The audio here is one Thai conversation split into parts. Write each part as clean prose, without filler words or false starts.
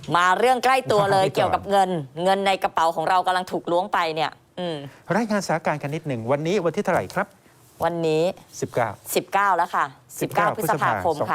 มาเรื่องใกล้ตัวเลยเกี่ยวกับเงินในกระเป๋าของเรากำลังถูกล้วงไปเนี่ยรายงานสถานการณ์กันนิดหนึ่งวันนี้วันที่เท่าไหร่ครับวันนี้ 19 แล้วค่ะ19 พฤษภาคมค่ะ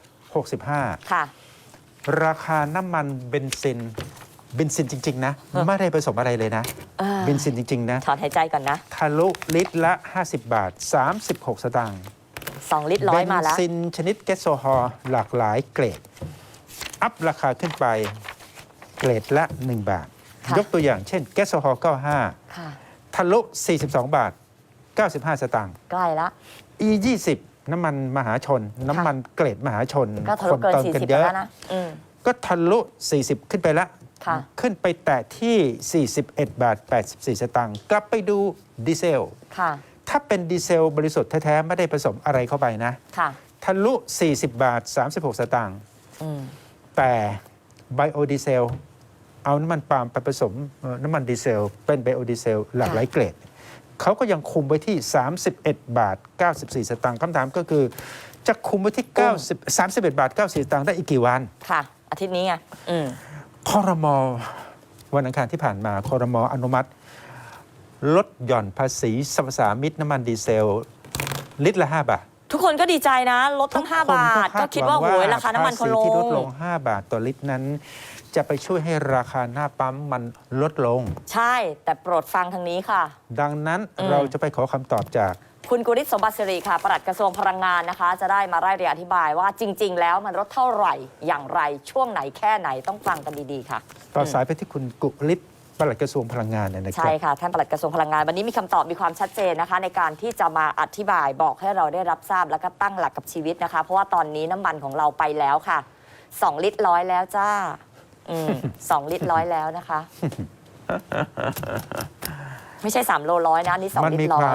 2565 ค่ะราคาน้ำมันเบนซินจริงๆนะไม่ได้ผสมอะไรเลยนะเบนซินจริงๆนะถอนหายใจก่อนนะทะลุลิตรละ50 บาท 36 สตางค์ 2 ลิตรร้อยมาแล้วเบนซินชนิดแก๊สโซฮอล์หลากหลายเกรดอัพราคาขึ้นไปเกรดละ1 บาทยกตัวอย่างเช่นแก๊สโซฮอล์95ทะลุ42 บาท 95 สตางค์ใกล้ละ E20 น้ำมันมหาชนน้ำมันเกรดมหาชนก็ทะลุเกิน40แล้วนะก็ทะลุ40ขึ้นไปละขึ้นไปแตะที่41 บาท 84 สตางค์กลับไปดูดีเซลถ้าเป็นดีเซลบริสุทธิ์แท้ๆไม่ได้ผสมอะไรเข้าไปนะทะลุ40 บาท 36 สตางค์แต่ไบโอดีเซลเอาน้ำมันปาล์มไปผสมน้ำมันดีเซลเป็นไบโอดีเซลหลากหลายเกรดเขาก็ยังคุมไว้ที่31 บาท 94 สตางค์คำถามก็คือจะคุมไว้ที่31 บาท 94 สตางค์ได้อีกกี่วันค่ะอาทิตย์นี้ไงครม.วันอังคารที่ผ่านมาครม.อนุมัติลดหย่อนภาษีสรรพสามิตน้ำมันดีเซลลิตรละ5 บาททุกคนก็ดีใจนะลดตั้ง5 บาทก็คิดว่าโอ้ยราคาน้ำมันเขาลงที่ลดลง5 บาทต่อลิตรนั้นจะไปช่วยให้ราคาหน้าปั๊มมันลดลงใช่แต่โปรดฟังทางนี้ค่ะดังนั้นเราจะไปขอคำตอบจากคุณกุริศสมบัติสิริค่ะปลัดกระทรวงพลังงานนะคะจะได้มาไล่เรียงอธิบายว่าจริงๆแล้วมันลดเท่าไหร่อย่างไรช่วงไหนแค่ไหนต้องฟังกันดีๆค่ะต่อสายไปที่คุณกุริศปลัดกระทรวงพลังงานนะครับใช่ค่ะท่านปลัดกระทรวงพลังงานวันนี้มีคำตอบมีความชัดเจนนะคะในการที่จะมาอธิบายบอกให้เราได้รับทราบแล้วก็ตั้งหลักกับชีวิตนะคะเพราะว่าตอนนี้น้ำมันของเราไปแล้วค่ะ2 ลิตรร้อยแล้วจ้า2 ลิตรร้อยแล้วนะคะไม่ใช่3 โลร้อยนะนี่2 ลิตรร้อย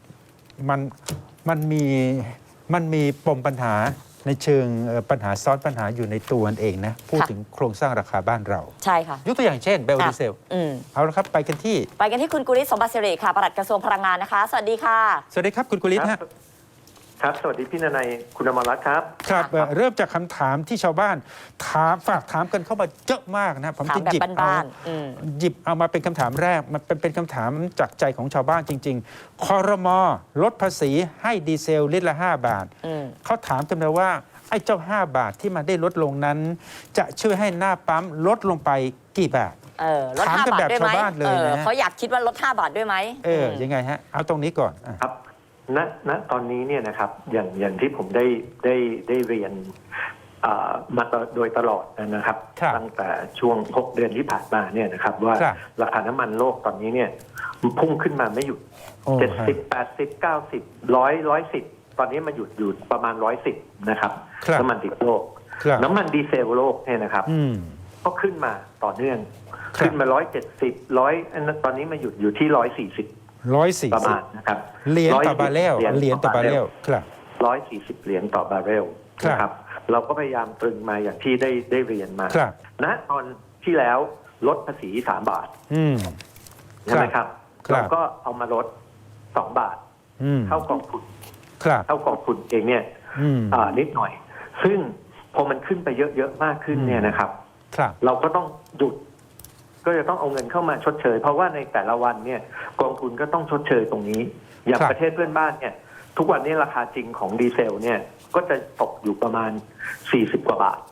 มันมีปมปัญหาในเชิงปัญหาซ้อนปัญหาอยู่ในตัวเองนะพูดถึงโครงสร้างราคาบ้านเราใช่ค่ะยกตัวอย่างเช่นไบโอดีเซลเอาละครับไปกันที่คุณกุริศสมบัติสิริค่ะปลัดกระทรวงพลังงานนะคะสวัสดีค่ะสวัสดีครับคุณกุริศครับสวัสดีพี่นนัยคุณอมรรัตน์ครับครับเริ่มจากคำถามที่ชาวบ้านฝากถามกันเข้ามาเยอะมากนะผมจะหยิบเอามาเป็นคำถามแรกมันเป็นคำถามจากใจของชาวบ้านจริงๆครม.ลดภาษีให้ดีเซลลิตรละ5 บาทเขาถามกันเลยว่าไอ้เจ้า5 บาทที่มันได้ลดลงนั้นจะช่วยให้หน้าปั๊มลดลงไปกี่บาทลด5 บาทด้วยไหมนะเขาอยากคิดว่าลด5 บาทด้วยไหมยังไงฮะเอาตรงนี้ก่อนครับณตอนนี้เนี่ยนะครับอย่างที่ผมได้เรียนมาโดยตลอดนะครับตั้งแต่ช่วง6 เดือนที่ผ่านมาเนี่ยนะครับว่าราคาน้ำมันโลกตอนนี้เนี่ยพุ่งขึ้นมาไม่หยุด70 80 90 110ตอนนี้มันหยุดอยู่ประมาณ110นะครับน้ำมันดิบโลกน้ำมันดีเซลโลกเนี่ยนะครับก็ขึ้นมาต่อเนื่องขึ้นมา170ตอนนี้มาหยุดอยู่ที่140ประมาณนะครับเหรียญต่อบาร์เรลครับ 140 เหรียญต่อบาร์เรลนะครับเราก็พยายามตรึงมาอย่างที่ได้เรียนมาณตอนที่แล้วลดภาษี3 บาทใช่ไหมครับเราก็เอามาลด2 บาทเข้ากองทุนเองเนี่ยนิดหน่อยซึ่งพอมันขึ้นไปเยอะๆมากขึ้นเนี่ยนะครับเราก็ต้องหยุดก็จะต้องเอาเงินเข้ามาชดเชยเพราะว่าในแต่ละวันเนี่ยกองทุนก็ต้องชดเชยตรงนี้อย่างประเทศเพื่อนบ้านเนี่ยทุกวันนี้ราคาจริงของดีเซลเนี่ยก็จะตกอยู่ประมาณ40 กว่าบาท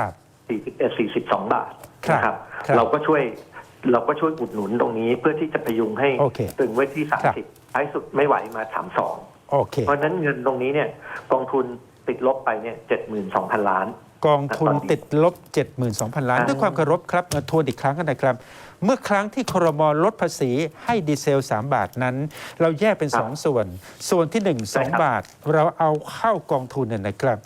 41 42 บาทนะครับเราก็ช่วยอุดหนุนตรงนี้เพื่อที่จะพยุงให้ตึงไว้ที่30ท้ายสุดไม่ไหวมา32เพราะฉะนั้นเงินตรงนี้เนี่ยกองทุนติดลบไปเนี่ย 72,000 ล้านกองทุนติดลบ 72,000 ล้านด้วยความเคารพครับทวนอีกครั้งกันนะครับเมื่อครั้งที่ครม.ลดภาษีให้ดีเซล3 บาทนั้นเราแยกเป็น2 ส่วนที่1 2 บาทเราเอาเข้ากองทุนเนี่ยนะครับ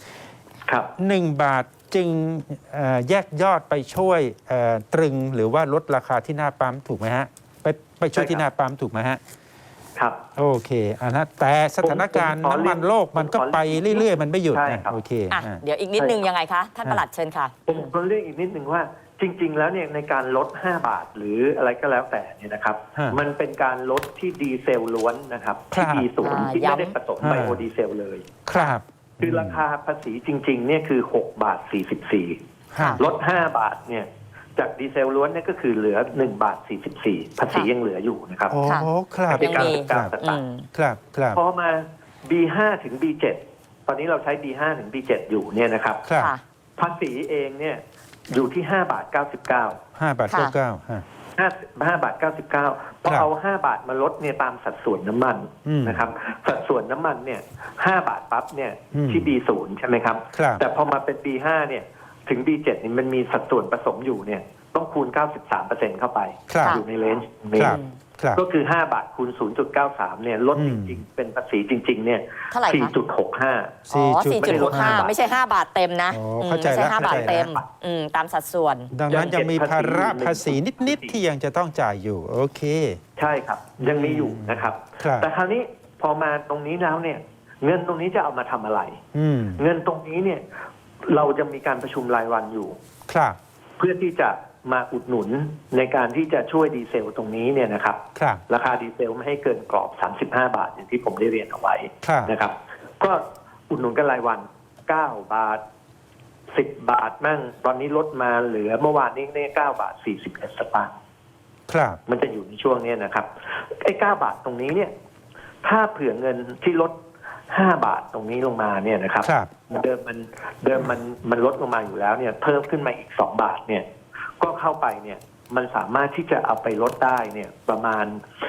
1 บาทจึงแยกยอดไปช่วยตรึงหรือว่าลดราคาที่หน้าปั๊มถูกไหมฮะไปช่วยที่หน้าปั๊มถูกไหมฮะครับโอเคนะแต่สถานการณ์น้ำมันโลกมันก็ไปเรื่อยๆมันไม่หยุดนะโอเคเดี๋ยวอีกนิดนึงยังไงคะท่านปลัดเชิญค่ะผมเรียกอีกนิดนึงว่าจริงๆแล้วเนี่ยในการลด5 บาทหรืออะไรก็แล้วแต่เนี่ยนะครับมันเป็นการลดที่ดีเซลล้วนนะครับที่ดีศูนย์ที่ไม่ได้ผสมไบโอดีเซลเลยครับคือราคาภาษีจริงๆเนี่ยคือ6 บาท 44ลด5 บาทเนี่ยจากดีเซลล้วนเนี่ยก็คือเหลือ1 บาท 44ภาษียังเหลืออยู่นะครับโอ้ค่ะครับยังมี 99 สตางค์ครับครับพอมา B5 ถึง B7 ตอนนี้เราใช้ B5 ถึง B7 อยู่เนี่ยนะครับครับค่ะภาษีเองเนี่ยอยู่ที่5 บาท 99 5 บาทค่ะ 99ฮะ 5 บาท 99พอเอา5 บาทมาลดเนี่ยตามสัดส่วนน้ำมันอืมนะครับสัดส่วนน้ำมันเนี่ย5 บาทปั๊บเนี่ยอืมที่ B0 ใช่ไหมครับครับแต่พอมาเป็น B5 เนี่ยถึง B7 นี่มันมีสัดส่วนผสมอยู่เนี่ยต้องคูณ 93% เข้าไปครับอยู่ในเลนจ์นี้ครับครับก็คือ 5 บาทคูณ 0.93 เนี่ยลดอืจมริงๆ เป็นภาษีจริง ๆ เนี่ยเท่าไหร่คะ 4.65 อ๋อ 4.65 4.65 ไม่ใช่ 5 บาทเต็มนะอ๋ออืมเข้าใจไม่ใช่แล้ว 5 บาทเข้าใจแล้วเต็มตามสัดส่วนดังนั้นยังมีภาระภาษียังเก็บภาษีนิด ๆ ที่ยังจะต้องจ่ายอยู่ โอเคใช่ครับ ยังมีอยู่นะครับครับแต่คราวนี้พอมาตรงนี้แล้วเนี่ย เงินตรงนี้จะเอามาทำอะไรอืมเงินตรงนี้เนี่ย เราจะมีการประชุมรายวันอยู่ครับเพื่อที่จะมาอุดหนุนในการที่จะช่วยดีเซลตรงนี้เนี่ยนะครับครับราคาดีเซลไม่ให้เกินกรอบ 35 บาทอย่างที่ผมได้เรียนเอาไว้ครับนะครับ ก็อุดหนุนกันรายวัน 9 บาท 10 บาทมั่งตอนนี้ลดมาเหลือเมื่อวานนี้เนี่ย9 บาท 41 สตางค์ครับมันจะอยู่ในช่วงนี้นะครับไอ้9 บาทตรงนี้เนี่ย ถ้าเผื่อเงินที่ลด5 บาทตรงนี้ลงมาเนี่ยนะครับครับเดิมมันลดลงมาอยู่แล้วเนี่ย เพิ่มขึ้นมาอีก2 บาทเนี่ย ก็เข้าไปเนี่ย มันสามารถที่จะเอาไปลดได้เนี่ย ประมาณ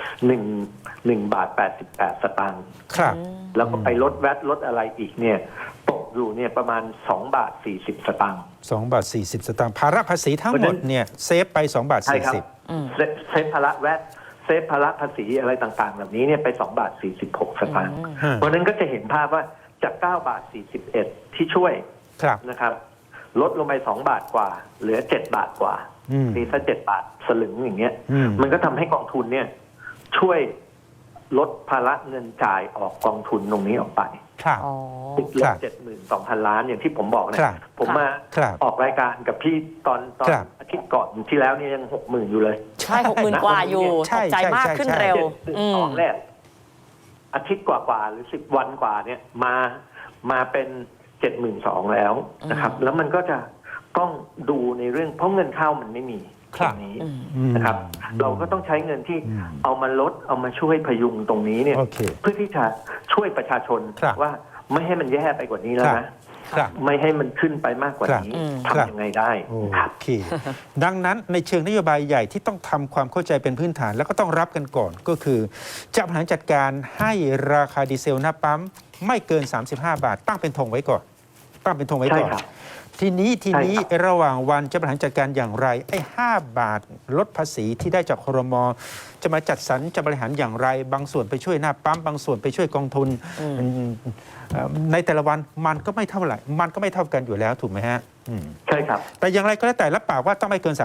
1 บาท 88 สตางค์ครับแล้วก็ไปลดแวตลดอะไรอีกเนี่ยตกอยู่เนี่ยประมาณ2 บาท 40 สตางค์ 2 บาท 40 สตางค์ภาระภาษีทั้งหมดเนี่ยเซฟไป 2 บาทใช่ครับ 40 เซฟภาระแวตเซฟภาระภาษีอะไรต่างๆ แบบนี้เนี่ยไป2 บาท 46 สตางค์ฮะเพราะฉะนั้นก็จะเห็นภาพว่าจาก9 บาท 41 ที่ช่วยครับนะครับลดลงไป2 บาทกว่า เหลือ7 บาทกว่าอืมนี่ถ้า7 บาทสลึงอย่างเงี้ยอืมมันก็ทำให้กองทุนเนี่ย ช่วยลดภาระเงินจ่ายออกกองทุนตรงนี้ออกไปครับอ๋อติดลครับบ 72,000 ล้านอย่างที่ผมบอกนะครับ ผมมาครับออกรายการกับพี่ตอนครับอาทิตย์ก่อนที่แล้วเนี่ยยัง 60,000 อยู่เลยใช่ 60,000 กว่าอยู่ใช่ตกใจมากใช่ขึ้นใช่เร็ว 72แรกอาทิตย์กว่าๆหรือ10 วันกว่าเนี่ยมาเป็น 72,000 แล้วนะครับ แล้วมันก็จะต้องดูในเรื่องเพราะเงินเข้ามันไม่มีครับตรงนี้อืมนะครับ เราก็ต้องใช้เงินที่อืมเอามาลดเอามาช่วยพยุงตรงนี้เนี่ยโอเคเพื่อที่จะช่วยประชาชนครับว่าไม่ให้มันแย่ไปกว่านี้แล้วนะครับไม่ให้มันขึ้นไปมากกว่านี้ครับทำยังไงได้โอครับเค ดังนั้นในเชิงนโยบายใหญ่ที่ต้องทำความเข้าใจเป็นพื้นฐาน แล้วก็ต้องรับกันก่อนก็คือ จะบริหารจัดการให้ราคาดีเซลหน้าปั๊มไม่เกิน 35 บาท ตั้งเป็นธงไว้ก่อน ตั้งเป็นธงไว้ก่อนใช่ครับทีนี้ใช่ครับระหว่างวันจะบริหารจัดการอย่างไรไอ้5 บาทลดภาษีที่ได้จากครม.จะมาจัดสรรจะบริหารอย่างไร บางส่วนไปช่วยหน้าปั๊มบางส่วนไปช่วยกองทุนในแต่ละวันมันก็ไม่เท่าไหร่มันก็ไม่เท่ากันอยู่แล้วถูกไหมฮะอืมใช่ครับแต่อย่างไรก็แล้วแต่รับปากว่าต้องไม่เกิน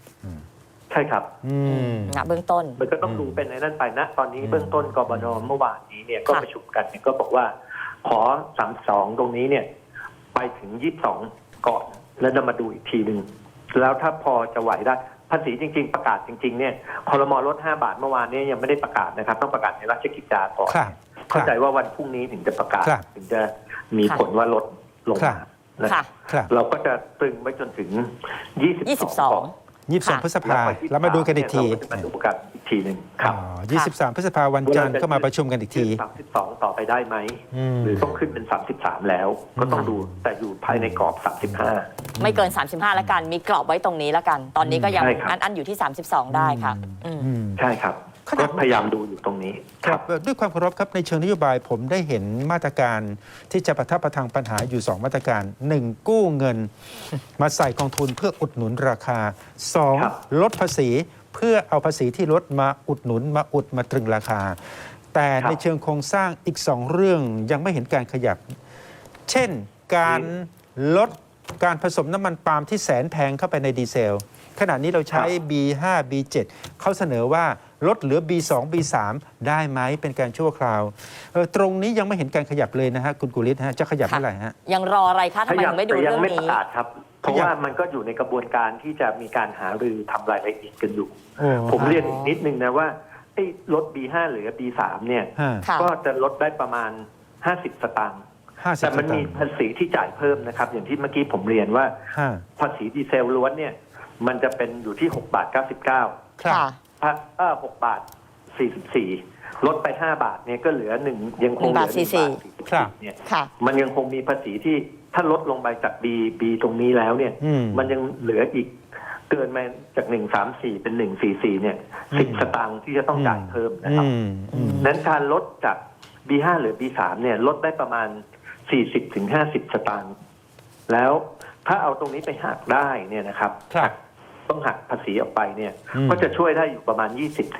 35 ใช่ครับอืมเบื้องต้นมันก็ต้องดูเป็นในนั้นไปนะ ตอนนี้เบื้องต้นกบนเมื่อวานนี้เนี่ยก็ค่ะประชุมกันเนี่ยก็บอกว่า ขอ32ตรงนี้เนี่ย ไปถึง22ก่อนแล้วจะมาดูอีกทีหนึ่งแล้วถ้าพอจะไหวได้ภาษีจริง ๆ ประกาศจริง ๆ เนี่ยครม.ลด5 บาทเมื่อวานนี้ยังไม่ได้ประกาศนะครับ ต้องประกาศในราชกิจจาก่อนครับเข้าใจว่าวันพรุ่งนี้ถึงจะประกาศครับถึงจะมีผลว่าลดลงครัมาบนะค่ะครับเราก็จะตรึงไว้จนถึง22ก่อน 22 พฤษภาแล้วมาดูกันอีกทีเราก็จะมาดูกันอีกทีหนึ่งครับ 23 พฤษภาวันจันทร์ก็มาประชุมกันอีกที 32 ต่อไปได้ไหมอืมหรือต้องขึ้นเป็น 33 แล้ว ก็ต้องดูแต่อยู่ภายในกรอบ 35 ไม่เกิน 35 แล้วกัน มีกรอบไว้ตรงนี้แล้วกัน ตอนนี้ก็ยังใช่ครับอันอยู่ที่ 32 ได้ค่ะอืมใช่ครับขนาก็ดพยายามดูอยู่ตรงนี้ครับด้วยความเคารพครับในเชิงนโยบายผมได้เห็นมาตรการที่จะประทับประทังปัญหาอยู่ 2 มาตรการ 1. กู้เงิน มาใส่กองทุนเพื่ออุดหนุนราคาครับ 2. ลดภาษีเพื่อเอาภาษีที่ลดมาอุดหนุนมาตรึงราคา แต่ในเชิงโครงสร้างอีก 2 เรื่องยังไม่เห็นการขยับ เช่นการลดการผสมน้ำมันปาล์มที่แสนแพงเข้าไปในดีเซล ขณะนี้เราใช้ B5 B7 เขาเสนอว่าลดเหลือ B2 B3 ได้ไหมเป็นการชั่วคราวตรงนี้ยังไม่เห็นการขยับเลยนะฮะคุณกุลิศฮะจะขยับค่ะเมื่อไหร่ฮะยังรออะไรคะทำไมถึงไม่ดูแต่ยัเรื่องไม่ประนี้กาศครับ เพราะว่ามันก็อยู่ในกระบวนการที่จะมีการหารือทำรายละเอียดกันอยู่โอ้ผมเรียนอีกนิดนึงนะว่าไอ้ลด B5 เหลือ B3 เนี่ยฮะค่ะก็จะลดได้ประมาณ 50 สตางค์ 50 แต่มันมีสตางค์ภาษีที่จ่ายเพิ่มนะครับ อย่างที่เมื่อกี้ผมเรียนว่าฮะภาษีดีเซลล้วนเนี่ยมันจะเป็นอยู่ที่6.99 ครับค่ะ 6 บาท 44ลดไป5 บาทเนี่ยก็เหลือยังคงเหลือ1 บาทครับ 44เนี่ยค่ะมันยังคงมีภาษีที่ถ้าลดลงไปจาก B ตรงนี้แล้วเนี่ย มันยังเหลืออีกเกินมาจาก134เป็น144เนี่ย10 สตางค์ที่จะต้องจ่ายเพิ่มนะครับนั้นการลดจาก B5 หรือ B3 เนี่ยลดได้ประมาณ40-50 สตางค์แล้วถ้าเอาตรงนี้ไปหักได้เนี่ยนะครับครับต้องหักภาษีออกไปเนี่ยก็จะช่วยได้อยู่ประมาณ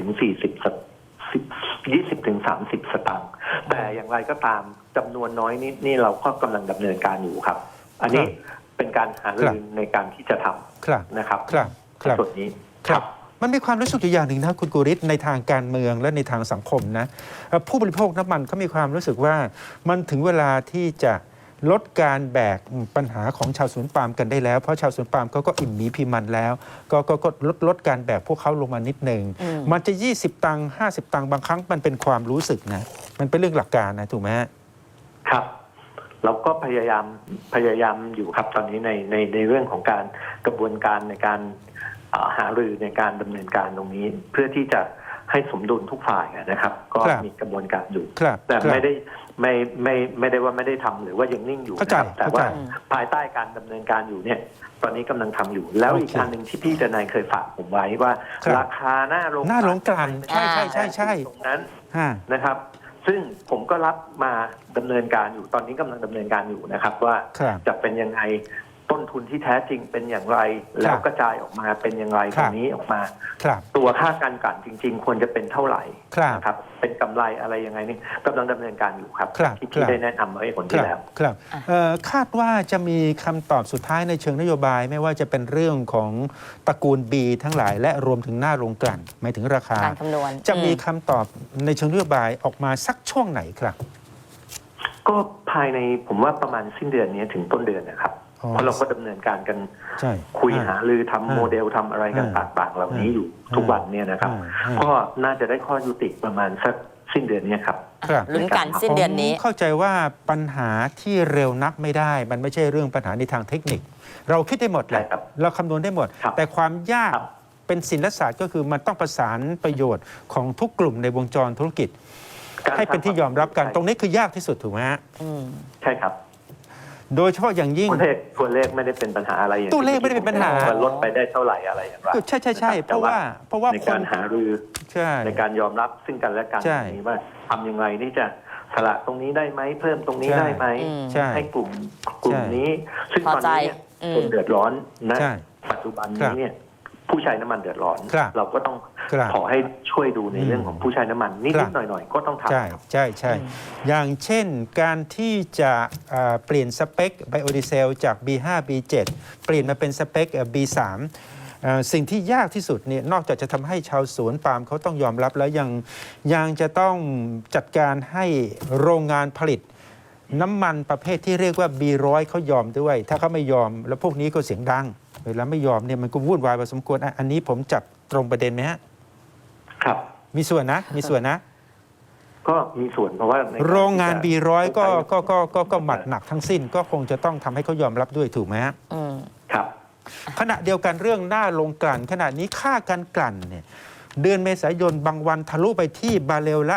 20-30 สตางค์แต่อย่างไรก็ตามจำนวนน้อยนี่เราก็กำลังดำเนินการอยู่ครับ อันนี้เป็นการหารือในการที่จะทครับำนะครับครับครับส่วนนี้ครับมันมีความรู้สึกอยู่อย่างหนึ่งนะคุณกุริศในทางการเมืองและในทางสังคมนะผู้บริโภคน้ำมันเขามีความรู้สึกว่ามันถึงเวลาที่จะลดการแบกปัญหาของชาวสวนปาล์มกันได้แล้วเพราะชาวสวนปาล์มเขาก็อิ่มหมีพิมันแล้วก็ลดการแบกพวกเขาลงมานิดหนึ่งมันจะ20 ตังค์50 ตังค์บางครั้งมันเป็นความรู้สึกนะมันเป็นเรื่องหลักการนะถูกไหมครับเราก็พยายามอยู่ครับตอนนี้ในเรื่องของการกระบวนการในการหารือในการดำเนินการตรงนี้ เพื่อที่จะให้สมดุลทุกฝ่ายนะครับ ก็มีกระบวนการอยู่แต่ไม่ได้ว่าไม่ได้ทำหรือว่ายังนิ่งอยู่นะครับแต่ว่าภายใต้การดำเนินการอยู่เนี่ยตอนนี้กำลังทำอยู่แล้วอีกการหนึ่งที่พี่ทนายเคยฝากผมไว้ว่าราคาหน้าโรงกลั่นใช่ตรงนั้นนะครับซึ่งผมก็รับมาดำเนินการอยู่ตอนนี้กำลังดำเนินการอยู่นะครับว่าจะเป็นยังไงต้นทุนที่แท้จริงเป็นอย่างไรแล้วกระจายออกมาเป็นอย่างไรตรงนี้ออกมาตัวค่าการกลั่นจริงๆควรจะเป็นเท่าไหร่นะครับเป็นกำไรอะไรยังไงนี่กำลังดำเนินการอยู่ครับที่ได้แนะนำไว้คนที่แล้วครับคาดว่าจะมีคำตอบสุดท้ายในเชิงนโยบายไม่ว่าจะเป็นเรื่องของตระกูล B ทั้งหลายและรวมถึงหน้าโรงกลั่นหมายถึงราคาการคำนวณจะมีคำตอบในเชิงนโยบายออกมาสักช่วงไหนครับก็ภายในผมว่าประมาณสิ้นเดือนนี้ถึงต้นเดือนนะครับเพราะเราก็ดำเนินการกันคุยหารือทำโมเดลทำอะไรกันต่างๆเหล่านี้อยู่ทุกวันเนี่ยนะครับก็น่าจะได้ข้อยุติประมาณสักสิ้นเดือนนี้ครับลุ้นกันสิ้นเดือนนี้เข้าใจว่าปัญหาที่เร็วนักไม่ได้มันไม่ใช่เรื่องปัญหาในทางเทคนิคเราคิดได้หมดแหละเราคำนวณได้หมดแต่ความยากเป็นศิลปศาสตร์ก็คือมันต้องประสานประโยชน์ของทุกกลุ่มในวงจรธุรกิจให้เป็นที่ยอมรับกันตรงนี้คือยากที่สุดถูกไหมฮะใช่ครับโดยเฉพาะอย่างยิ่งตัวเลขไม่ได้เป็นปัญหาอะไรตัวเลขไม่ได้เป็นปัญหาลดไปได้เท่าไหร่อะไรอย่างไรใช่เพราะว่าในการหารือในการยอมรับซึ่งกันและกันนี้ว่าทำยังไงที่จะสละตรงนี้ได้ไหมเพิ่มตรงนี้ได้ไหมให้กลุ่มนี้ซึ่งตอนนี้คนเดือดร้อนนะปัจจุบันนี้เนี่ยผู้ใช้น้ำมันเดือดร้อนเราก็ต้องขอให้ช่วยดูในเรื่องของผู้ใช้น้ำมันนิดหน่อยๆก็ต้องทำใช่อย่างเช่นการที่จะเปลี่ยนสเปคไบโอดีเซลจาก B5 B7 เปลี่ยนมาเป็นสเปค B3 สิ่งที่ยากที่สุดเนี่ยนอกจากจะทำให้ชาวสวนปาล์มเขาต้องยอมรับแล้วยังจะต้องจัดการให้โรงงานผลิตน้ำมันประเภทที่เรียกว่า B100 เขายอมด้วยถ้าเขาไม่ยอมแล้วพวกนี้ก็เสียงดังเวลาไม่ยอมเนี่ยมันก็วุ่นวายพอสมควรอันนี้ผมจับตรงประเด็นไหมฮะครับมีส่วนนะก็มีส่วนเพราะว่าโรงงาน B100 ก็หมัดหนักทั้งสิ้นก็คงจะต้องทำให้เขายอมรับด้วยถูกไหมฮะครับขณะเดียวกันเรื่องหน้าโรงกลั่นขณะนี้ค่าการกลั่นเนี่ยเดือนเมษายนบางวันทะลุไปที่บาร์เรลละ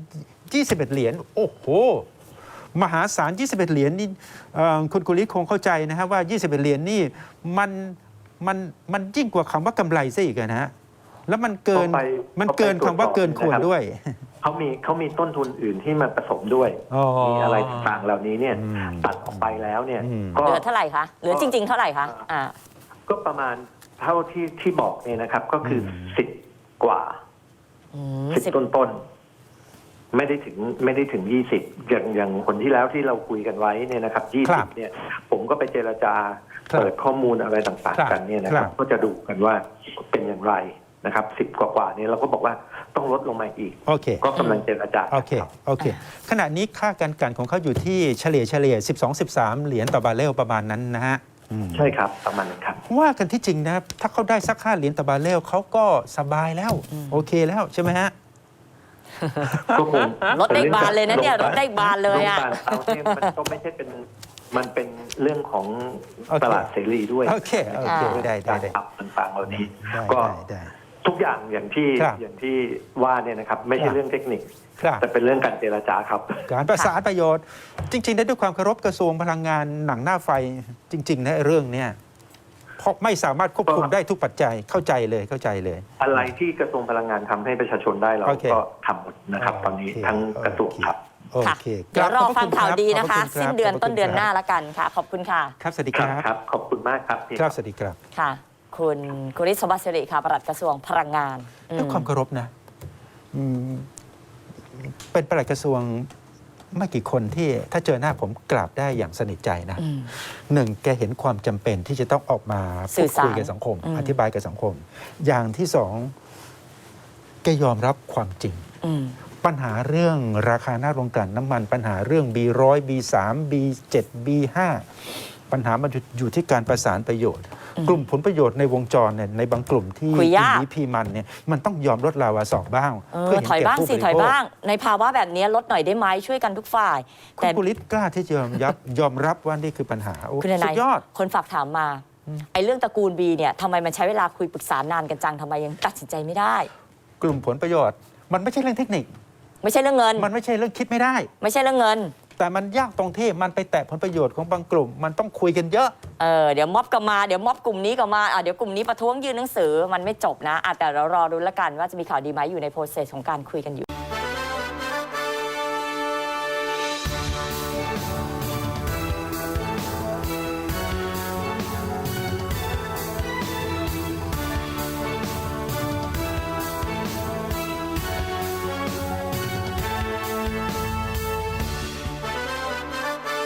21 เหรียญโอ้โหมหาศาล21 เหรียญนี่คุณกุลิศคงเข้าใจนะฮะว่า21 เหรียญนี่มันยิ่งกว่าคำว่ากำไรซะอีกนะฮะแล้วมันเกินคำว่าเกินควรด้วยเขามีต้นทุนอื่นที่มาผสมด้วยมีอะไรต่างๆเหล่านี้เนี่ยตัดออกไปแล้วเนี่ยเหลือเท่าไหร่คะเหลือจริงๆเท่าไหร่คะก็ประมาณเท่าที่บอกเนี่ยนะครับก็คือ10 กว่า10 ต้นไม่ได้ถึง20อย่างคนที่แล้วที่เราคุยกันไว้เนี่ยนะครับ20เนี่ยผมก็ไปเจรจาเปิดข้อมูลอะไรต่างๆกันเนี่ยนะครับก็จะดูกันว่าเป็นอย่างไรนะครับ10 กว่านี่เราก็บอกว่าต้องลดลงมาอีกก็กำลังเจรจาโอเคขณะนี้ค่าการกลั่นของเขาอยู่ที่เฉลี่ย12-13 เหรียญต่อบาร์เรลประมาณนั้นนะฮะใช่ครับประมาณนั้นครับว่ากันที่จริงนะถ้าเขาได้สัก5 เหรียญต่อบาร์เรลเขาก็สบายแล้วโอเคแล้วใช่ไหมฮะรถได้บานเลยนะเนี่ยรถได้บานเลยอ่ะมันก็ไม่ใช่เป็นมันเป็นเรื่องของโอเคตลาดเสรีด้วยโอเคได้ต่างๆเหล่านี้ได้ก็ได้ทุกอย่างอย่างที่ครับอย่างที่ว่าเนี่ยนะครับ ไม่คใช่รับเรื่องเทคนิคครับแต่เป็นเรื่องการเจรจาครับการประสานประโยชน์ จริงๆนะด้วยความเคารพกระทรวงพลังงานหนังหน้าไฟจริงๆนะเรื่องเนี้ยเพราะไม่สามารถควบคุมได้ทุกปัจจัยเข้าใจเลยอะไรที่กระทรวงพลังงานทำให้ประชาชนได้เราโอเคก็ทำหมดนะครับ ตอนนี้โอเคทั้งกระทรวงครับโอค่ะเคเดี๋ยวรอฟังข่าวดีนะคะขอบณรับสิ้นเดือนขบคุณต้นเดือนหน้าครับละกันค่ะ ขอบคุณค่ะครับสวัสดีคครัรับบ ครับ ขอบคุณมากครับพี่ครับสวัสดีครับค่ะ คุณกุริศสมบัติสิริค่ะปลัดกระทรวงพลังงานอืมด้วยความเคารพนะอืมเป็นปลัดกระทรวงไม่กี่คนที่ถ้าเจอหน้าผมกราบได้อย่างสนิทใจนะอืมหนึ่งแกเห็นความจำเป็นที่จะต้องออกมาสื่พูดอสารคุยกับสังคมอืมอธิบายกับสังคม อย่างที่สองแกยอมรับความจริงอืมปัญหาเรื่องราคาหน้าโรงกลั่นน้ำมัน ปัญหาเรื่อง B100 B3 B7 B5 ปัญหามันอยู่ที่การประสานประโยชน์อืมกลุ่มผลประโยชน์ในวงจรเนี่ยในบางกลุ่มที่คุยยากพีมันเนี่ยมันต้องยอมลดลาวาสอกบ้างเห็นถอยบ้างผู้สิริถอยโภคบ้าง ในภาวะแบบนี้ลดหน่อยได้ไหมช่วยกันทุกฝ่ายคุแต่ณกุลิศกล้าที่จะยอมรับว่านี่คือปัญหาโอ้คุณนายสุดยอดคนฝากถามมา ไอ้เรื่องตระกูลบีเนี่ยทำไมมันใช้เวลาคุยปรึกษานานกันจังทำไมยังตัดสินใจไม่ได้กลุ่มผลประโยชน์ มันไม่ใช่เรื่องเทคนิคไม่ใช่เรื่องเงินมันไม่ใช่เรื่องคิดไม่ได้ไม่ใช่เรื่องเงินแต่มันยากตรงที่มันไปแตะผลประโยชน์ของบางกลุ่ม มันต้องคุยกันเยอะเดี๋ยวม็อบก็มาเดี๋ยวม็อบกลุ่มนี้ก็มาเดี๋ยวกลุ่มนี้ประท้วงยื่นหนังสือมันไม่จบนะแต่เรารอดูแล้วกันว่าจะมีข่าวดีไหมอยู่ในโปรเซสของการคุยกันอยู่